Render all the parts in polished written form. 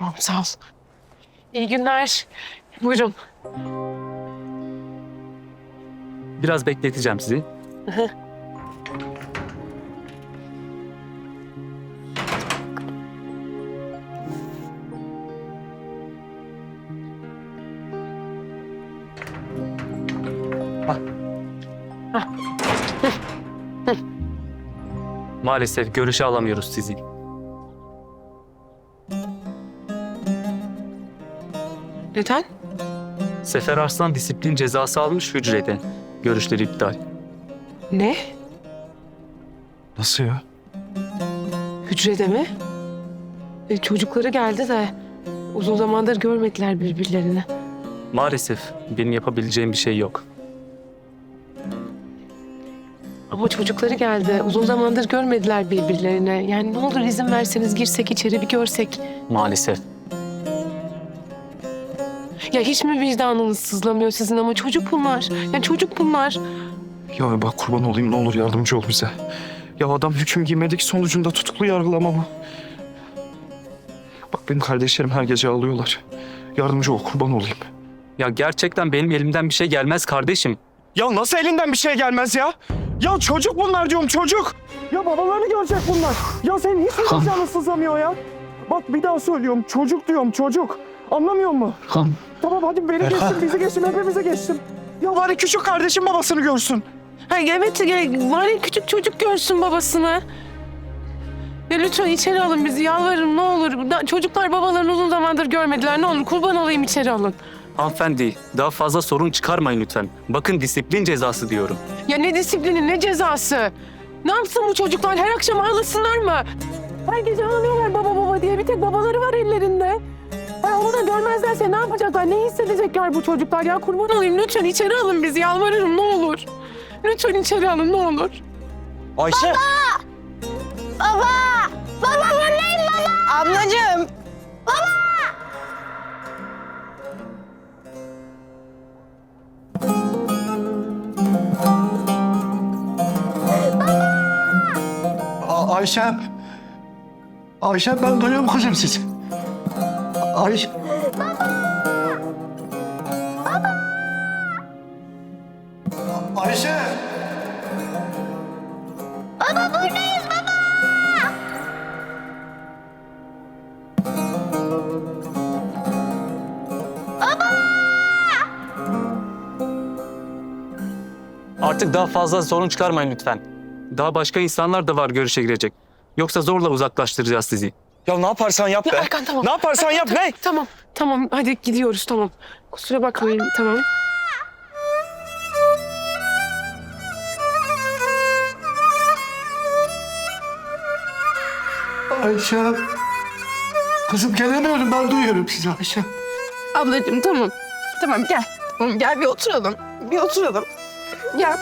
Tamam, sağ ol. İyi günler. Buyurun. Biraz bekleteceğim sizi. Maalesef görüşe alamıyoruz sizi. Neden? Sefer Arslan disiplin cezası almış hücrede. Görüşleri iptal. Ne? Nasıl ya? Hücrede mi? Çocukları geldi de uzun zamandır görmediler birbirlerini. Maalesef benim yapabileceğim bir şey yok. Ama çocukları geldi. Uzun zamandır görmediler birbirlerine. Yani ne olur izin verseniz girsek içeri bir görsek. Maalesef. Ya hiç mi vicdanınız sızlamıyor sizin ama çocuk bunlar. Ya çocuk bunlar. Ya bak kurban olayım ne olur yardımcı ol bize. Ya adam hüküm giymedik sonucunda tutuklu yargılama bu. Bak benim kardeşlerim her gece ağlıyorlar. Yardımcı ol kurban olayım. Ya gerçekten benim elimden bir şey gelmez kardeşim. Ya nasıl elinden bir şey gelmez ya? Ya çocuk bunlar diyorum çocuk. Ya babalarını görecek bunlar. Ya senin hiç mi vicdanın sızlamıyor ya? Bak bir daha söylüyorum çocuk diyorum çocuk. Anlamıyor musun? Tamam hadi beni geçsin bizi geçsin hepimizi geçsin. Ya bari küçük kardeşim babasını görsün. Ha, evet var ya küçük çocuk görsün babasını. Ya lütfen içeri alın bizi yalvarırım ne olur. Çocuklar babalarını uzun zamandır görmediler ne olur kurban olayım içeri alın. Hanımefendi, daha fazla sorun çıkarmayın lütfen. Bakın disiplin cezası diyorum. Ya ne disiplini ne cezası? Ne yapsın bu çocuklar her akşam ağlasınlar mı? Her gece ağlıyorlar baba baba diye bir tek babaları var ellerinde. Ha, onu da görmezlerse ne yapacaklar? Ne hissedecekler bu çocuklar? Ya kurban olayım lütfen içeri alın bizi yalvarırım ne olur. Lütfen içeri alın ne olur. Ayşe. Baba! Baba buradayım baba! Ablacığım! Ayşem. Ayşem ben duyuyorum kızım sizi. Ayşe. Ayşe. Baba buradayız baba! Artık daha fazla sorun çıkarmayın lütfen. Daha başka insanlar da var görüşe girecek. Yoksa zorla uzaklaştıracağız sizi. Ya ne yaparsan yap Ya be. Erkan tamam. Ne yaparsan yap ne? Tamam hadi gidiyoruz tamam. Kusura bakmayın tamam. Ayşem. Kızım gelemiyorum ben duyuyorum sizi Ayşem. Ablacığım tamam. Tamam gel. Tamam gel bir oturalım. Bir oturalım. Gel.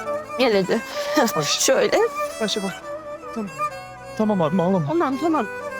Gel hadi. Şöyle. Ayşe bak. Tamam. Tamam abi ağlama. Tamam.